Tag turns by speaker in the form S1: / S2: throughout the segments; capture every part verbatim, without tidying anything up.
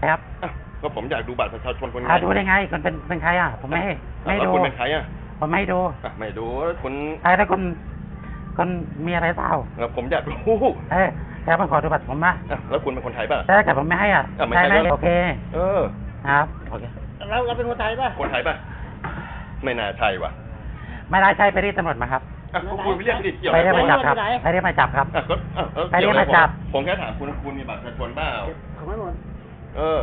S1: ครับ
S2: ก็ผมอยากดูบัตรประชาชนคนนี้
S1: ดูได้ไงคนเป็นเป็นใครอ่ะผมไม่ให้ไม่ดู
S2: คุณเป็นใครอ่ะ
S1: ผมไม่ดู
S2: ไม่ดูคุณ
S1: ใครถ้าคุณคนมีอะไรเปล่า
S2: ผมอยากรู้
S1: เออแค่มาขอดูบัตรผมนะ
S2: แล้วคุณเป็นคนไทยป่ะ
S1: ใช่แต่ผมไม่ให้อ่ะใช่ไหมโอเค
S2: เออ
S1: ครับโอเค
S3: เราเราเป็นคนไทยป่ะ
S2: คนไทยป่ะไม่น่าใช่ว่ะ
S1: ไม่ได้ใช่ไปเรียกตำรวจมาครับ
S2: คุณไปเรียกเกี่ยว
S1: ไปเรียกมาจับครับไปเรียกมาจับครับไปเรียกมาจับ
S2: ผมแค่ถามคุณคุณมีบัตรประชาชนเปล่า
S3: ของไม่หมด
S2: เออ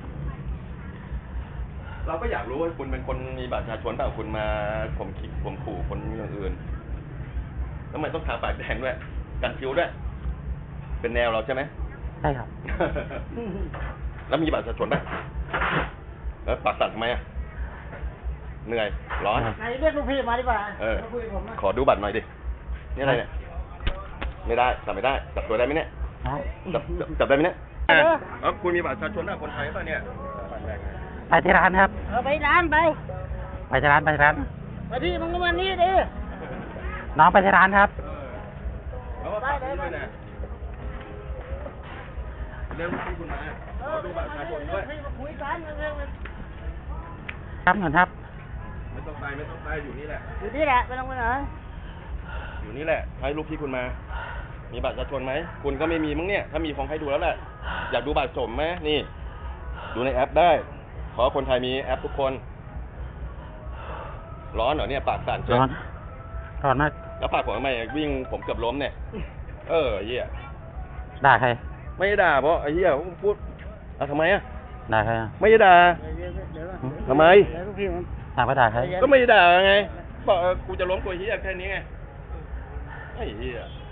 S2: เราก็อยากรู้ว่าคุณเป็นคนมีบัตรประชาชนเปล่าคุณมาผมคิดผมขู่คนอย่างอื่นแล้วมันต้องทาปากแดงด้วยกันคิ้วด้วยเป็นแนวเราใช่ไหม
S1: ใช่ครับ
S2: แล้วมีบัตรประชาชนไหมแล้วปากสั่นทำไมอ่ะเหนื่อยร้อน
S3: ไหนเรียกลูกพี่มาดีกว่า
S2: เออขอดูบัตรหน่อยดินี่อะไรเนี่ยไม่ได้จับไม่ได้จับตัวได้ไหมเนี่ยจับจับได้ไหมเนี่ยเออคุณมีบัตรประชาชนนะคนไทยป่ะเนี่ย
S1: ไปที่ร้านครับ
S3: เออไปร้านไป
S1: ไปที่ร้านไปที่ร้าน
S3: ไปที่มึงก็มานี่ดิ
S1: น้องไปที่ร้านครับ
S2: ได้ได้ได้เรื่องที่คุณมาขอดูบัตรประชาชนด้วย
S3: คุยกัน
S1: ครับเงินครับ
S2: ไม่ต้องไปไม่ต้องไปอยู่นี่แหละ
S3: อยู่นี่แหละไม่ต้องไปไหน
S2: อยู่นี่แหละให้ลูกพี่คุณมามีบัตรประชาชนไหมคุณก็ไม่มีมั้งเนี่ยถ้ามีคงให้ดูแล้วแหละอยากดูบัตรสมไหมนี่ดูในแอปได้ขอคนไทยมีแอปทุกคนร้อนเหรอเนี่ยปากสั่น
S1: ร้อนร้อนมาก
S2: แล้วปากผมทำไมวิ่งผมเกือบล้มเนี่ยเออเหี้ย
S1: ด่าใคร
S2: ไม่ด่าเพราะไอ้เหี้ยพูดอ่ะทำไมอ่ะ
S1: ด่าใครอ่ะ
S2: ไม่ด่าทำไม
S1: ถามว่าด่าใคร
S2: ก็ไม่ด่าไงบอกกูจะล้มกูเหี้ยแค่นี้ไงไอ้เหี้ย